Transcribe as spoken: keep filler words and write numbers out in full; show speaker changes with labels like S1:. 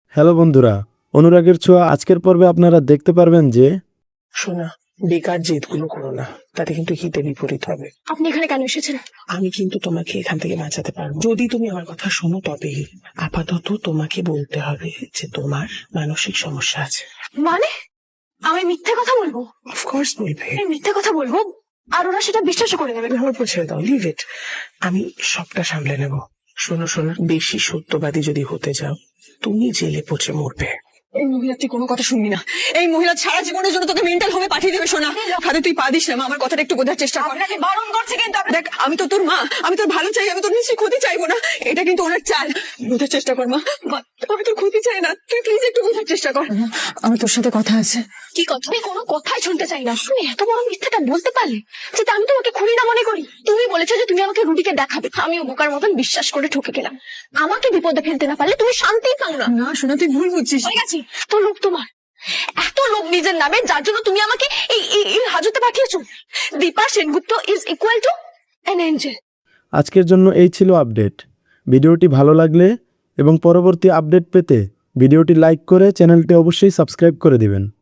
S1: Hello বন্ধুরা, অনুরাগের ছোঁয়া আজকের পর্বে আপনারা দেখতে পারবেন যে
S2: শোনা, বেকার জেদগুলো করো না, তাতে কিন্তু হিতে বিপরীত হবে।
S3: আপনি এখানে কেন এসেছেন?
S2: আমি কিন্তু তোমাকে এখান থেকে বাঁচাতে পারবো যদি তুমি আমার কথা শোনো। তবে আপাতত তোমাকে বলতে হবে যে তোমার মানসিক সমস্যা আছে।
S3: মানে আমি মিথ্যে কথা বলবো?
S2: অফকোর্স বলবে।
S3: আমি মিথ্যে কথা বলবো আর ওরা সেটা বিশ্বাসও করে নেবে।
S2: আমার উপর ছেড়ে দাও, লিভ ইট, আমি সবটা সামলে নেব। শোনো শোনো, বেশি সত্যবাদী যদি হতে যাও তুমি জেলে পচে মরবে।
S4: এই মহিলা তুই কোনো কথা শুনবি না। এই মহিলা সারা জীবনের জন্য তোকে মেন্টাল হোমে পাঠিয়ে দেবে। শোনা, খাদে তুই পা দিস না মা, আমার কথাটা একটু বোঝার চেষ্টা কর।
S3: আপনাকে বারণ করছে কিন্তু আপনি-
S4: দেখ, আমি তো তোর মা, আমি তোর ভালো চাই, আমি তোর নিশ্চয়ই ক্ষতি চাইবো না। এটা কিন্তু ওনার চাল, বোঝার চেষ্টা কর মা। মা, আমি তোর ক্ষতি চাই না, তুই প্লিজ একটু বোঝার চেষ্টা কর। আমার তোর সাথে কথা আছে।
S3: কি কথা? আমি কোনো কথাই শুনতে চাই না। তুমি এত বড় মিথ্যাটা বলতে পারলে যেটা আমি তোমাকে খুনি না মনে করি। তুমি বলেছো যে তুমি আমাকে রুটিকে দেখাবে, আমি বোকার মতন বিশ্বাস করে ঠকে গেলাম। আমাকে বিপদে ফেলতে না পারলে তুমি শান্তিই পাও না।
S4: না শোনা, তুই ভুল বুঝছিস।
S3: হয়ে গেছে এত লোভ তোমার, এত লোভ নিজের নামে, যার জন্য তুমি আমাকে এই এই- এই হাজতে পাঠিয়েছো। Dipa Sengupta is equal to an angel.
S1: আজকের জন্য এই ছিল আপডেট। ভিডিওটি ভালো লাগলে এবং পরবর্তী আপডেট পেতে ভিডিওটি লাইক করে চ্যানেলটি অবশ্যই সাবস্ক্রাইব করে দিবেন।